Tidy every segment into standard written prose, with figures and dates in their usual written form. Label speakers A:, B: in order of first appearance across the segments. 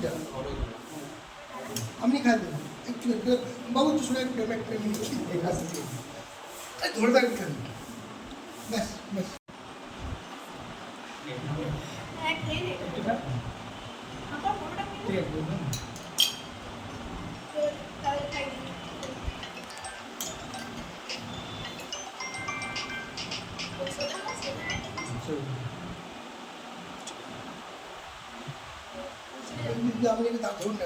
A: মিষ্টিটা আপনি খান একটু বাবু একটু শোনা একটু ধরে থাকবেন খান ব্যাস ব্যাস আপনি একটু দাঁত ধরুন না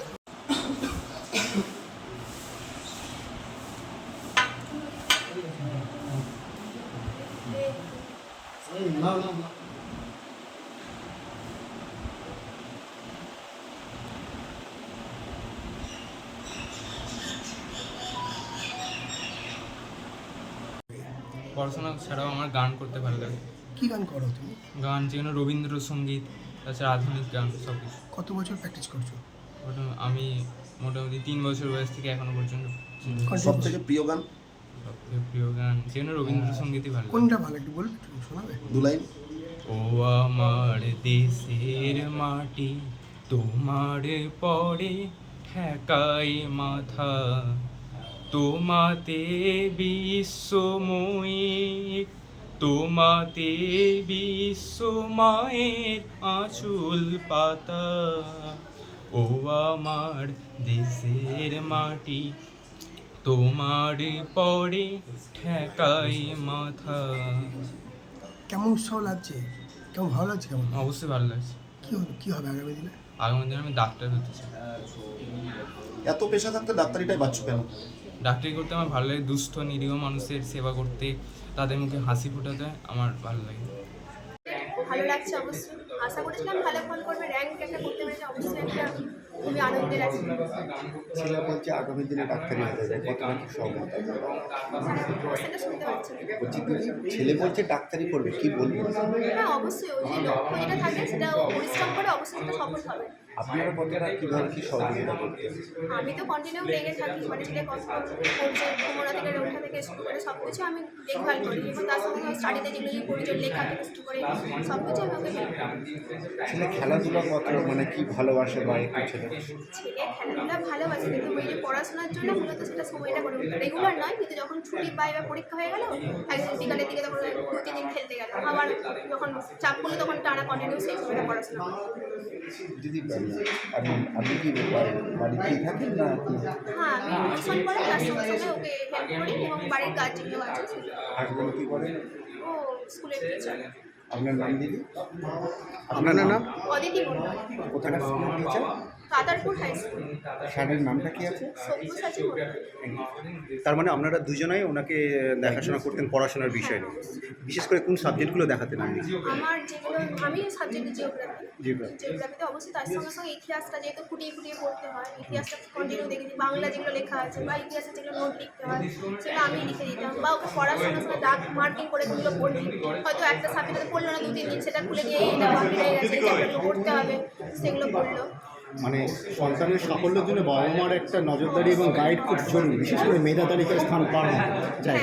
B: পড়াশোনা ছাড়াও আমার গান করতে ভালো লাগে।
A: কি গান করো তুমি?
B: গান যেগুলো রবীন্দ্রসঙ্গীত, তাছাড়া আধুনিক গান সব কিছু।
A: কত বছর প্র্যাকটিস করছো?
B: ওটা আমি মোটামুটি 3 বছর বয়স থেকে এখনো পর্যন্ত।
C: সব থেকে প্রিয় গান?
B: সবথেকে প্রিয় গান যেগুলো রবীন্দ্রসঙ্গীতই ভালো লাগে।
A: কোনটা ভালো একটু বলবে, একটু শোনাবে?
C: দু লাইন।
B: ও আমার দেশের মাটি, তোমার পরে ঠেকাই মাথা, তোমাতে বিশ্বময়ী, তোমাতে বিশ্বমায়ের আঁচল পাতা। ও আমার দেশের মাটি, তোমার পরে ঠেকাই মাথা।
A: কেমন উৎসাহ লাগছে, কেমন ভালো লাগছে? কেমন
B: অবশ্যই ভালো লাগছে।
A: কি হবে আগামী দিনে?
B: আগামী দিনে আমি ডাক্তার হতে চাই।
C: এত পেশা থাকতে ডাক্তারিটাই বাচ্চা কেন?
B: ডাক্তারি করতে আমার ভালো লাগে, দুস্থ নিরীহ মানুষের সেবা করতে, তাদের মুখে হাসি ফোটাতে আমার ভালো লাগে।
D: ভালো লাগছে অবশ্যই, আশা করেছিলাম ভালো ফল করবে, র্যাঙ্ক একটা করতে পেরেছে, অবশ্যই একটা খুবই আনন্দের আছে।
C: ছেলে বলছে আগামী দিনে ডাক্তারি হতে যায়, কতটা কি সহমত?
D: সেটা শুনতে পাচ্ছি না।
C: বলছি দিদি, ছেলে বলছে ডাক্তারি করবে, কি বলবো?
D: হ্যাঁ অবশ্যই, ওই যে লক্ষ্য যেটা থাকে সেটা ও পরিশ্রম করে অবশ্যই সেটা সফল হবে।
C: আপনারা কতটা কীভাবে কি সহযোগিতা করতেন?
D: আমি তো কন্টিনিউ লেগে থাকি, মানে সেটা কষ্ট করছে ঘুমোনা থেকে ওঠা থেকে শুরু করে সব কিছু আমি দেখভাল করি, এবং তার সঙ্গে স্টাডিতে যেগুলো প্রয়োজন লেখা থেকে শুরু করে সব কিছু আমি ওকে হেল্প করি।
C: ছেলে খেলাধুলা কত মানে কি ভালোবাসে বা একটু ছেলে?
D: ছেলে খেলাধুলা ভালোবাসে, কিন্তু ওই যে পড়াশোনার জন্য মূলত সেটা সময়টা করে রেগুলার নয়, কিন্তু যখন ছুটি পায় বা পরীক্ষা হয়ে গেল একদিন বিকালের দিকে তখন 2-3 দিন খেলতে গেল, আবার যখন চাপ করলে তখন টানা কন্টিনিউ সেই সময়টা পড়াশোনা করে।
C: দিদি আপনি কি বাড়িতেই থাকেন না?
D: হ্যাঁ আমি টিউশন পড়াই, তার সঙ্গে সঙ্গে ওকে হেল্প করি, এবং বাড়ির কাজ যেগুলো আছে
C: হাসবেন্ড কি করেন?
D: ও স্কুলের টিচার।
C: আপনার নাম দিদি? আপনার নাম?
D: অদিতি মন্ডল,
C: কোথাকার স্কুলের টিচার?
D: কাদারপুর high school.
C: স্যারের নামটা কি আছে?
D: সব্যসাচী মন্ডল।
E: তার মানে আপনারা দুজনাই ওনাকে দেখাশোনা করতেন পড়াশোনার বিষয় নিয়ে। বিশেষ করে কোন সাবজেক্টগুলো দেখাতেন আপনি?
D: আমার যেগুলো আমি সাবজেক্ট জিওগ্রাফি,
E: জিওগ্রাফি।
D: জিওগ্রাফিতে অবশ্যই তার সঙ্গে সঙ্গে ইতিহাসটা যেহেতু ফুটিয়ে ফুটিয়ে পড়তে হয়, ইতিহাসটা কন্টিনিউ দেখেছি, বাংলা যেগুলো লেখা আছে বা ইতিহাসে যেগুলো নোট লিখতে হয় সেটা আমি লিখে দিতাম, বা ওকে পড়ার সঙ্গে সঙ্গে দাগ মার্কিং করে যেগুলো পড়বি, হয়তো একটা সাবজেক্টে পড়লো না 2-3 দিন, সেটা খুলে দিয়ে এটা বাকি রয়ে গেছে, যেগুলো পড়তে হবে সেগুলো পড়লো।
E: মানে সন্তানের সাফল্যের জন্য বাবা মার একটা নজরদারি এবং গাইড খুব জরুরি, বিশেষ করে মেধা তালিকায় স্থান পাওয়া যায়।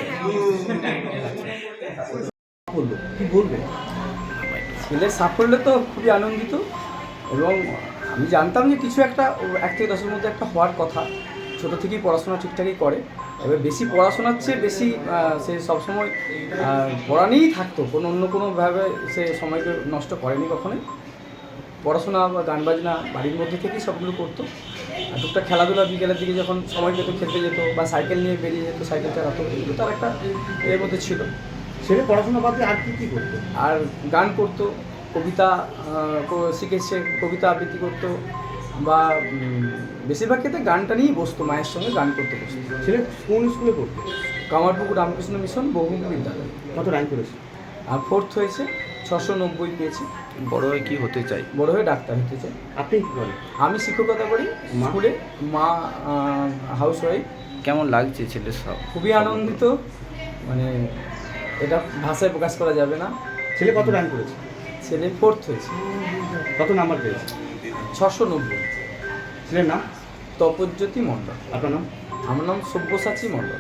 E: বললো কি বলবে?
F: ছেলের সাফল্যে তো খুবই আনন্দিত, এবং আমি জানতাম যে কিছু একটা 1 থেকে 10-এর মধ্যে একটা হওয়ার কথা। ছোটো থেকেই পড়াশোনা ঠিকঠাকই করে, এবার বেশি পড়াশোনার চেয়ে বেশি সে সবসময় পড়া নিয়েই থাকতো, অন্য কোনোভাবে সে সময়কে নষ্ট করেনি কখনোই। পড়াশোনা বা গান বাজনা বাড়ির মধ্যে থেকেই সবগুলো করতো, আর টুকটাক খেলাধুলা বিকেলের দিকে যখন সময় পেতো খেলতে যেত, বা সাইকেল নিয়ে বেরিয়ে যেত, সাইকেল চালাতো, এগুলো তার একটা এর মধ্যে ছিল।
E: ছেলে পড়াশোনা বাদ দিয়ে আর কী করতো?
F: আর গান করতো, কবিতা শিখেছে, কবিতা আবৃত্তি করতো, বা বেশিরভাগ ক্ষেত্রে গানটা নিয়েই বসতো, মায়ের সঙ্গে গান করতে বসতো।
E: ছেলে কোন স্কুলে পড়তো?
F: কামারপুকুর রামকৃষ্ণ মিশন বহুমুখী বিদ্যালয়।
E: কত র্যাঙ্ক করেছে?
F: আর 4th হয়েছে, 690 পেয়েছি।
E: বড় হয়ে কী হতে চাই?
F: বড় হয়ে ডাক্তার হতে চাই।
E: আপনি কী করেন?
F: আমি শিক্ষকতা করি স্কুলে, মা হাউস ওয়াইফ।
E: কেমন লাগছে ছেলের সব?
F: খুবই আনন্দিত, মানে এটা ভাষায় প্রকাশ করা যাবে না।
E: ছেলে কত র্যাঙ্ক করেছে?
F: ছেলে 4th হয়েছে।
E: কত নাম্বার পেয়েছে?
F: 690।
E: ছেলের নাম?
F: তপজ্যোতি মণ্ডল।
E: আপনার নাম?
F: আমার নাম সব্যসাচী মণ্ডল।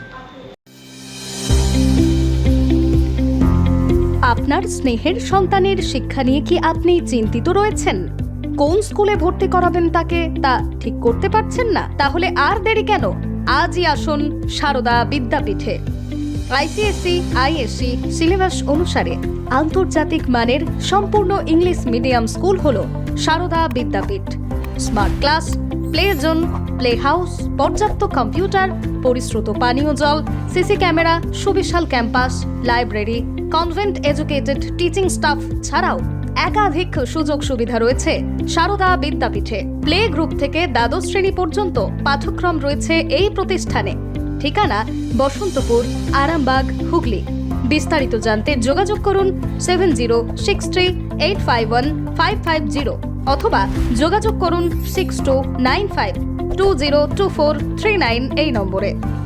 G: আপনার স্নেহের সন্তানের শিক্ষা নিয়ে কি আপনি চিন্তিত রয়েছেন? কোন স্কুলে ভর্তি করাবেন তাকে তা ঠিক করতে পারছেন না? তাহলে আর দেরি কেন? আজই আসুন সারদা বিদ্যাপীঠে। আইসিএসসি আইএসসি সিলেবাস অনুসারে আন্তর্জাতিক মানের সম্পূর্ণ ইংলিশ মিডিয়াম স্কুল হলো Sarada Vidyapith. Smart class, play zone, play house, পর্যাপ্ত কম্পিউটার, পরিশ্রুত পানীয় জল, সিসি ক্যামেরা, সুবিশাল campus, library, convent educated teaching staff ছাড়াও একাধিক সুযোগ সুবিধা রয়েছে সারদা বিদ্যাপীঠে। প্লে গ্রুপ থেকে দ্বাদশ শ্রেণী পর্যন্ত পাঠ্যক্রম রয়েছে এই প্রতিষ্ঠানে। ঠিকানা বসন্তপুর, আরামবাগ, হুগলি। বিস্তারিত জানতে যোগাযোগ করুন 7063851550 অথবা যোগাযোগ করুন 6295202439 এই নম্বরে।